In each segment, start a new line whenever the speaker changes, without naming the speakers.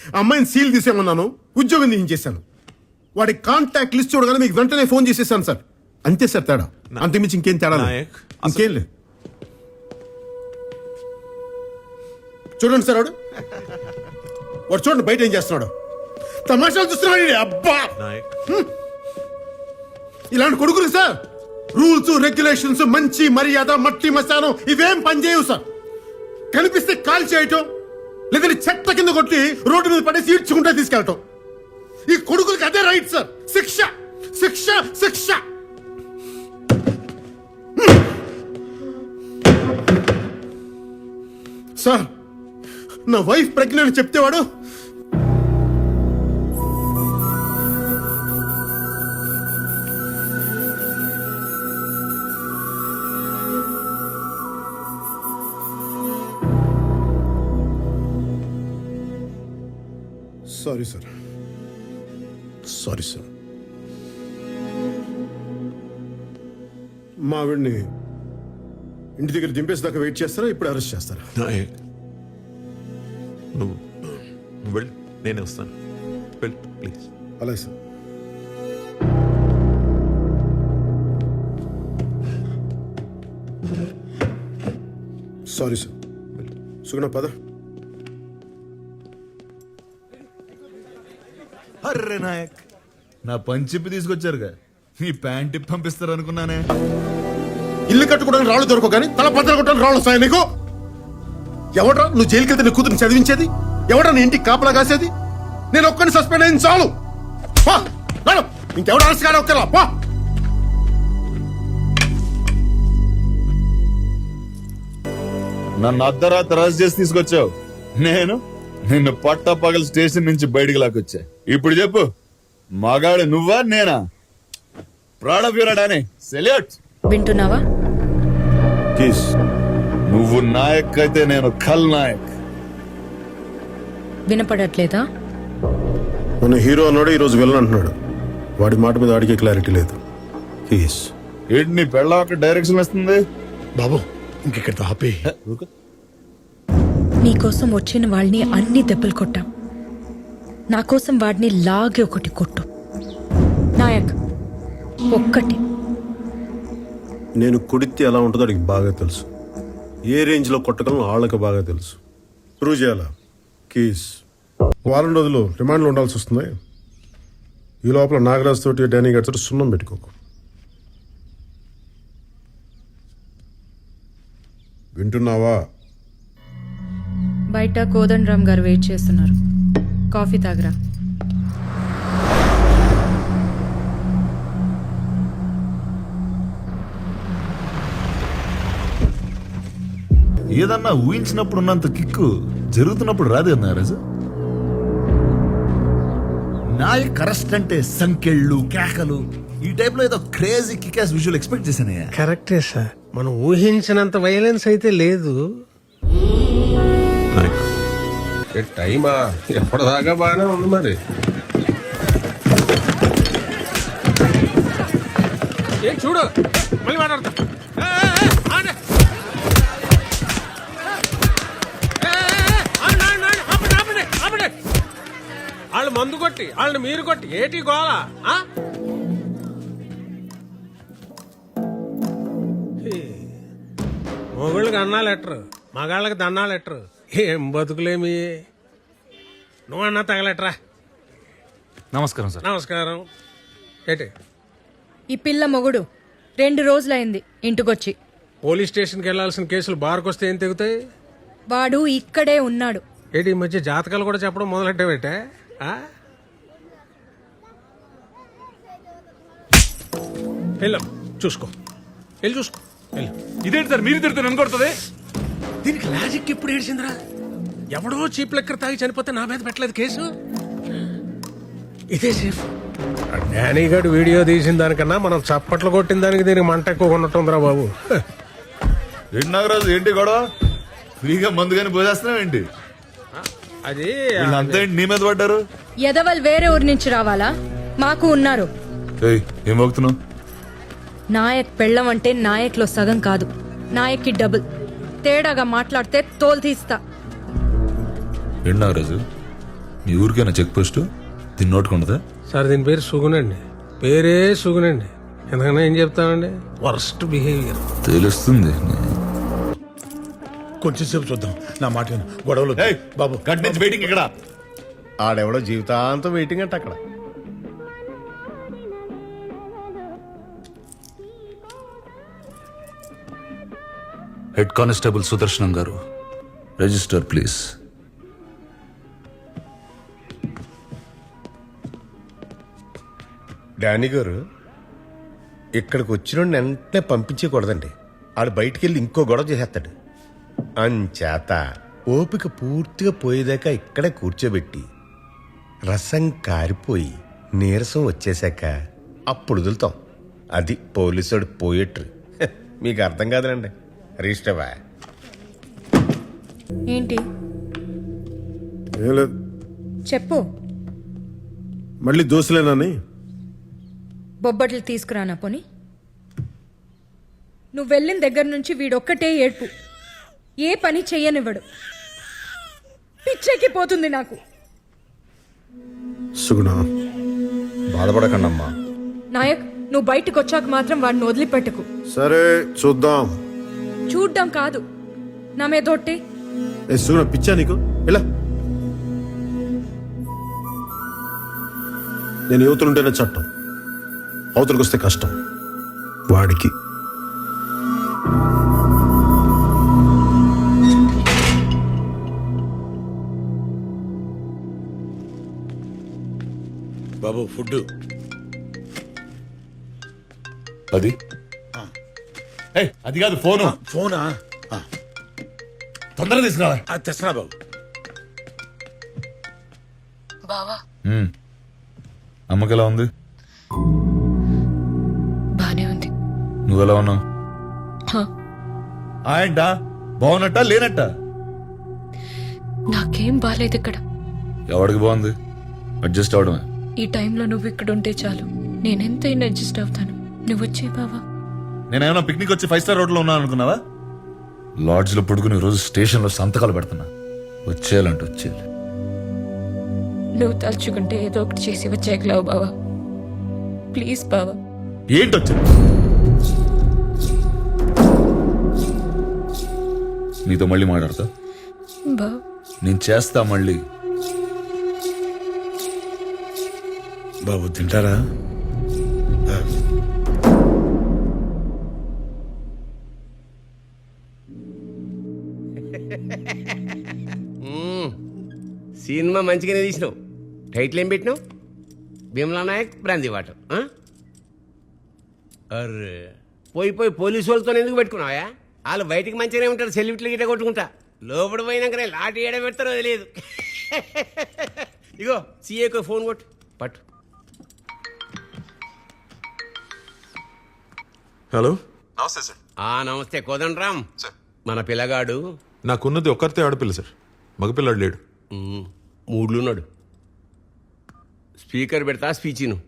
ఆ అమ్మాయిని సీల్ తీసేమన్నాను, ఉద్యోగం తీయించేశాను. వాడి కాంటాక్ట్ లిస్ట్ చూడగానే మీకు వెంటనే ఫోన్ చేసేసాను సార్. అంతే సార్ తేడా, అంతకుమించి ఇంకేం తేడా లేదు.
నాయక్,
ఇంకేం లేదు. చూడండి సార్ వాడు చూడండి బయట ఏం చేస్తున్నాడు. తమాషాలు చూస్తున్నాడు ఈడు. అబ్బా,
నాయక్,
ఇలాంటి కొడుకులు సార్ రూల్స్ రెగ్యులేషన్స్, మంచి మర్యాద, మట్టి మశానం ఇవేం పనిచేయవు సార్. కనిపిస్తే కాల్ చేయటం, లేదంటే చెత్త కింద కొట్టి రోడ్డు మీద పడేసి ఈడ్చుకుంటే తీసుకెళ్ళటం. ఈ కొడుకులకి అదే రైట్ సార్. శిక్ష శిక్ష శిక్ష. సార్ నా వైఫ్ ప్రెగ్నెంట్ చెప్తే వాడు సారీ సార్, సారీ సార్. మా ఆవిడ్ని ఇంటి దగ్గర దింపేసేదాకా వెయిట్ చేస్తారా, ఇప్పుడు అరెస్ట్ చేస్తారా?
నాయక్, నువ్వు వెళ్ళు, నేనే వస్తాను. వెళ్ళు ప్లీజ్.
అలాగే సార్. Sorry sir. సుగుణ పద.
అర్రే నాయక్, నా పంచిప్పి తీసుకొచ్చారుగా, మీ ప్యాంట్ ఇప్పి పంపిస్తారు అనుకున్నానే.
ఇల్లు కట్టుకోవడానికి రాళ్ళు దొరకవు కానీ తల పద్దలు కొట్టడానికి రాళ్ళు వస్తాయి నీకు. ఎవడ్రా నువ్వు జైలుకి వెళ్తే నీ కూతురు చదివించేది? ఎవడ్రా నీ ఇంటికి కాపలా కాసేది? నేను ఒక్కడిని సస్పెండ్ అయింది చాలు. ఇంకెవడ అరెస్ట్ కానీ ఒక్కరా పా.
నన్ను అర్ధరాత్రి అరెస్ట్ చేసి తీసుకొచ్చావు. నేను నిన్ను పట్టపగల స్టేషన్ నుంచి బయటికి లాక్కొచ్చా. ఇప్పుడు చెప్పు, మగాడు నువ్వా నేనా? ప్రాణవీరుడానే సెల్యూట్.
వింటున్నావా?
నువ్వు నాయక్ అయితే నేను ఖల్ నాయక్.
వినపడట్లేదా?
మన హీరో అన్నాడు, ఈరోజు విలన్ అంటున్నాడు. వాడి మాట మీద వాడికి క్లారిటీ లేదు.
ఏంటి నీ పెళ్ళ డైరెక్షన్ వస్తుంది
బాబు, ఇంకెక్కడ ఆపే.
నీకోసం వచ్చిన వాళ్ళని అన్ని దెబ్బలు కొట్టాం. నా కోసం వాడిని లాగే ఒకటి కొట్టు నాయక్, ఒక్కటి.
నేను కొడితే ఎలా ఉంటుందో వాడికి బాగా తెలుసు. ఏ రేంజ్ లో కొట్టగలను వాళ్ళకి బాగా తెలుసు. ప్రూవ్ చేయాలా? కీస్ వారం రోజులు రిమాండ్లో ఉండాల్సి వస్తుంది. ఈ లోపల నాగరాజ్ తోటి డానీ గారి తోటి సున్నం పెట్టుకోకు. వింటున్నావా?
బయట కోదండరామ్ గారు వెయిట్ చేస్తున్నారు. కాఫీ తాగరా.
ఏదన్నా ఊహించినప్పుడు ఉన్నంత కిక్కు జరుగుతున్నప్పుడు రాదు కదా రాజు. నాయక్ అరెస్ట్ అంటే సంకెళ్ళు, కేకలు, ఈ టైప్ లో ఏదో క్రేజీ కికాస్ విజువల్ ఎక్స్పెక్ట్ చేశానయ్యా.
కరెక్టే సార్, మనం ఊహించినంత వైలెన్స్ అయితే లేదు.
నాయక్,
టైమా ఎప్పటిదాకా బాగానే ఉంది మరి.
చూడు మళ్ళీ మాట్లాడతా. వాళ్ళు మందు కొట్టి వాళ్ళని మీరు కొట్టి ఏటి గోళ. మొగుళ్ళకి అన్నా లెటరు, మగాళ్ళకి దన్నా లెటరు. ఏం బతుకులేమి. నువ్వన్నా తగలెట్రా.
నమస్కారం సార్.
నమస్కారం. ఏటి
ఈ పిల్ల మొగుడు 2 రోజులైంది ఇంటికొచ్చి.
పోలీస్ స్టేషన్కి వెళ్లాల్సిన కేసులు బార్కొస్తే ఏం తెగుతాయి?
వాడు ఇక్కడే ఉన్నాడు.
ఏంటి ఈ మధ్య జాతకాలు కూడా చెప్పడం మొదలెట్టావేటే? వెళ్ళు చూసుకో, వెళ్ళి చూసుకో. వెళ్ళు.
ఇదేంటి సార్ మీరు తిరుగుతారు నన్ను కొడుతుంది?
దీనికి లాజిక్ ఎప్పుడు ఏడ్చిందిరా? ఎవడో చీప్ లెక్కర్ తాగి చనిపోతే నా మీద పెట్టలేదు కేసు. ఇదే సేఫ్. డానీ గారు వీడియో తీసిన దానికన్నా మనం చప్పట్లు కొట్టిన దానికి దీనికి మంట ఎక్కువ ఉన్నట్టుందిరా బాబు.
ఏంటి నాగరాజు, ఏంటి గొడవ? ఫ్రీగా మందు కానీ పోసేస్తున్నావు ఏంటి?
అది
అంతా ఏంటి నీ మీద పడ్డారు?
ఎదవల్ వేరే ఊరి నుంచి రావాలా? మాకు ఉన్నారు.
ఏం మోగుతున్నావు?
నాయక్ పెళ్ళం అంటే నాయక్ లో సగం కాదు, నాయక్కి డబుల్. తేడాగా మాట్లాడితే తోలు తీస్తా.
ఏంటి నాగరాజు, మీ ఊరికైనా చెక్ పోస్ట్ దీన్ని నోటుకుంటుందా?
సార్ దీని పేరు సుగునండి, పేరే సుగునండి. ఎందుకన్నా ఏం చెప్తామండి, వర్స్ట్ బిహేవియర్.
తెలుస్తుంది.
కొంచెం సేపు చూద్దాం, నా మాట విను. గొడవలు వద్దు. బాబు
గట్ నుంచి వెయిటింగ్ ఇక్కడ.
ఆడెవడో జీవితాంతం వెయిటింగ్ అంట అక్కడ.
హెడ్ కానిస్టేబుల్ సుదర్శనం గారు, రిజిస్టర్ ప్లీజ్.
డానీ గారు, ఇక్కడికి వచ్చిన వెంటనే పంపించకూడదండి. ఆడు బయటికి వెళ్ళి ఇంకో గొడవ చేసేస్తాడు. అంచేత ఓపిక పూర్తిగా పోయేదాకా ఇక్కడే కూర్చోబెట్టి రసం కారిపోయి నీరసం వచ్చేసాక అప్పుడు వదులుతాం. అది పోలీసుడు పోయేట్రు. మీకు అర్థం కాదులండి. రిజిస్టర్వా
ఏంటి
ఏం లేదు,
చెప్పు.
మళ్ళీ దోశలేనని.
బొబ్బట్లు తీసుకురానా పోని? నువ్వు వెళ్ళిన దగ్గర నుంచి వీడొక్కటే ఏడ్పు, ఏ పని చెయ్యనివ్వడు. పిచ్చెక్కి పోతుంది నాకు.
సుగుణ,
బాధపడకండమ్మా.
నాయక్, నువ్వు బయటకు వచ్చాక మాత్రం వాడిని వదిలిపెట్టకు.
సరే చూద్దాం.
చూడ్డం కాదు, నా మీదొట్టే.
ఏ సుగుణ, పిచ్చా నీకు? ఇలా నేను యువతలుంటేనే చట్టం, అవతలకు వస్తే కష్టం. వాడికి బాబు ఫుడ్
అది అది కాదు, ఫోను.
ఫోనా?
తొందరగా తీసుకురావాలి.
తెస్తున్నా బాబు.
అమ్మకి ఎలా ఉంది?
బానే ఉంది.
నువ్వెలా ఉన్నావు? ఏంటా, బాగున్నట్ట లేనట్ట?
నాకేం బాలేదు ఇక్కడ.
ఎవడికి బాగుంది? అడ్జస్ట్ అవడమే.
ఈ టైంలో నువ్వు ఇక్కడ ఉంటే చాలు, నేనెంతైనా అడ్జస్ట్ అవుతాను. నువ్వు వచ్చే బావా.
నేనేమన్నా పిక్నిక్ వచ్చి 5 స్టార్ హోటల్లో ఉన్నాను అనుకున్నావా? లాడ్జ్ లో పడుకుని రోజు స్టేషన్ లో సంతకాలు పెడుతున్నా. వచ్చేయాలంటే వచ్చేయాలి.
నువ్వు తలుచుకుంటే ఏదో ఒకటి చేసి వచ్చేయగలవు బావా. ప్లీజ్ బావా.
ఏంటొచ్చింది? నీతో మళ్ళీ మాట్లాడతా.
బావా
నేను చేస్తా మళ్ళీ.
బాబు తింటారా?
సినిమా మంచిగానే తీసినావు. టైటిల్ ఏం పెట్టినావు? భీమలా నాయక్ బ్రాంతి వాటర్. అర్రే, పోయి పోయి పోలీసు వాళ్ళతో ఎందుకు పెట్టుకున్నావా? వాళ్ళు బయటికి మంచిగానే ఉంటారు, సెల్యూట్లు గిట్ట కొట్టుకుంటా. లోపల పోయినాకనే లాటి ఏడ పెడతారో తెలియదు. ఇగో సీఏకు ఫోన్ కొట్టు, పట్టు.
హలో, నమస్తే సార్.
నమస్తే కోదండరామ్. మన పిల్లగాడు
నాకున్నది ఒక్కరితే ఆడపిల్ల సార్, మగపిల్లాడు లేడు.
మూడ్లున్నాడు. స్పీకర్ పెడతా, స్పీచ్ను.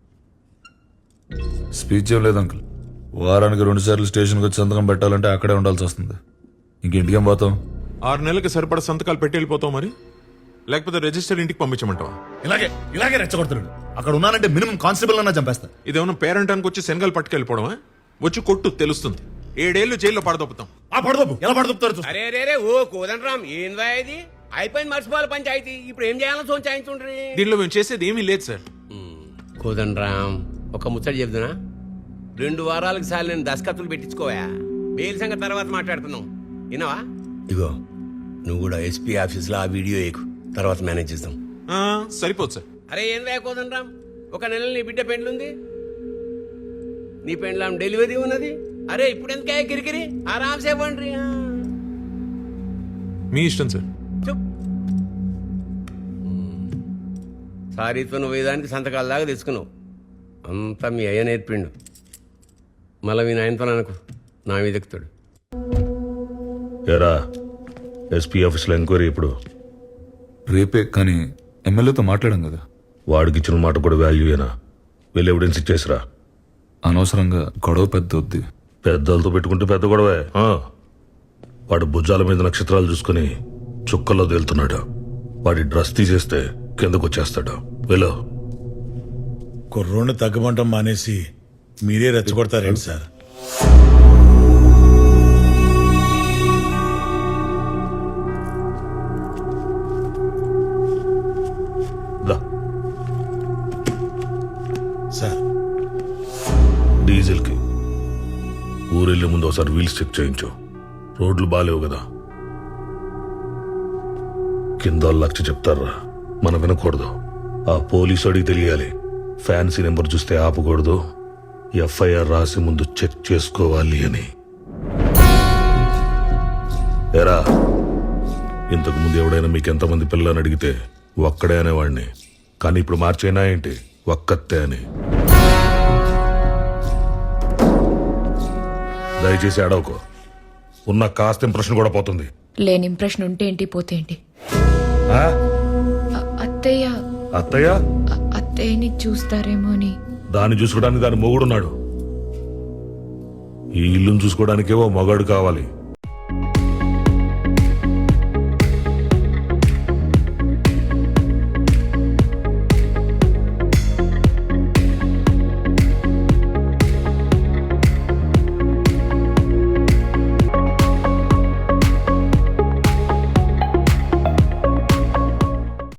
స్పీచ్ ఏం లేదు అంకుల్. వారానికి 2 సార్లు స్టేషన్కి వచ్చి సంతకం పెట్టాలంటే అక్కడే ఉండాల్సి వస్తుంది. ఇంటికేం పోతాం?
6 నెలలకి సరిపడా సంతకాలు పెట్టి వెళ్ళిపోతావు మరి, లేకపోతే రిజిస్టర్ ఇంటికి పంపించమంటావా?
ఇలాగే రెచ్చగొడుతున్నాడు. అక్కడ ఉన్నానంటే మినిమం కానిస్టేబుల్ అన్నా చంపేస్తా.
ఇదేమన్నా పేరెంటానికి వచ్చి శనగలు పట్టుకెళ్ళిపోవడమా? వచ్చి కొట్టు, తెలుస్తుంది. 7 ఏళ్ళు జైల్లో పడదొప్పుతాం.
పడదొప్పు ఎలా పడదొప్పుతారు?
అరే రే రే, ఓ కోదండరామ్, ఏందా ఇది? అయిపోయింది, మర్చిపోవాలి పంచాయతీ. ఇప్పుడు ఏం చేయాలో సోంచాయించుండ్రి.
దీనిలో మేము చేసేది ఏమీ లేదు సార్.
కోదండరామ్, ఒక ముచ్చట చెప్తున్నా. 2 వారాలకు సార్లు నేను దస్కత్తులు పెట్టించుకోవా. బెయిల్ సంగతి తర్వాత మాట్లాడుతున్నావు, విన్నావా? ఇగో నువ్వు కూడా ఎస్పీ ఆఫీస్లో ఆ వీడియో వేయకు, తర్వాత మేనేజ్ చేస్తాం.
సరిపోదు సార్.
అరే ఏం రాకోదండరామ్, 1 నెల నీ బిడ్డ పెండ్లుంది, నీ పెండ్లాం డెలివరీ ఉన్నది. అరే ఇప్పుడు ఎందుకే కిరికిరి, ఆరామ్సే పండ్రి.
మీ ఇష్టం సార్.
సారీతో నువ్వు వేదానికి సంతకాల దాకా తెచ్చుకున్నావు. అంతా మీ అయ్య నేర్పిండు. మళ్ళీ మీ నాయనతో అనుకో, నా మీద ఎక్కుతాడు.
ఎరా, ఎస్పీ ఆఫీస్లో ఎంక్వైరీ ఇప్పుడు
రేపే, కానీ ఎమ్మెల్యేతో మాట్లాడాం కదా.
వాడికి ఇచ్చిన మాట కూడా వాల్యూయేనా? వెళ్ళి ఎవిడెన్స్ ఇచ్చేసిరా.
అనవసరంగా గొడవ పెద్ద వద్ది.
పెద్దలతో పెట్టుకుంటే పెద్ద గొడవే. వాడు భుజాల మీద నక్షత్రాలు చూసుకుని చుక్కల్లో తేలుతున్నాడు. వాడి డ్రెస్ తీసేస్తే కిందకు వచ్చేస్తాడు వెళ్ళు.
కుర్రోడ్ని తగ్గమంటం మానేసి మీరే రెచ్చగొడతారేంటి సార్?
దా.
సార్
డీజిల్కి ఊరెళ్ళే ముందు ఒకసారి వీల్స్ చెక్ చేయించు. రోడ్లు బాలేవు కదా. కింద వాళ్ళు లక్ష చెప్తారా, మనం వినకూడదు. ఆ పోలీసు అడిగి తెలియాలి. ఫ్యాన్సీ నెంబర్ చూస్తే ఆపకూడదు. ఎఫ్ఐఆర్ రాసి ముందు చెక్ చేసుకోవాలి అని. ఎరా, ఇంతకు ముందు ఎవడైనా మీకు ఎంతమంది పిల్లలని అడిగితే ఒక్కడే అనేవాడిని. కానీ ఇప్పుడు మార్చేనా ఏంటి, ఒక్కతే అని. దయచేసి అడవకు. ఉన్న కాస్త ఇంప్రెషన్ కూడా పోతుంది.
లేని ఇంప్రెషన్ ఉంటే ఏంటి, పోతే ఏంటి?
ఆ?
అత్తయ్య
అత్తయ్య
అత్తయ్యని చూస్తారేమో అని.
దాన్ని చూసుకోవడానికి దాని మొగుడున్నాడు. ఈ ఇల్లును చూసుకోవడానికేవో మగాడు కావాలి.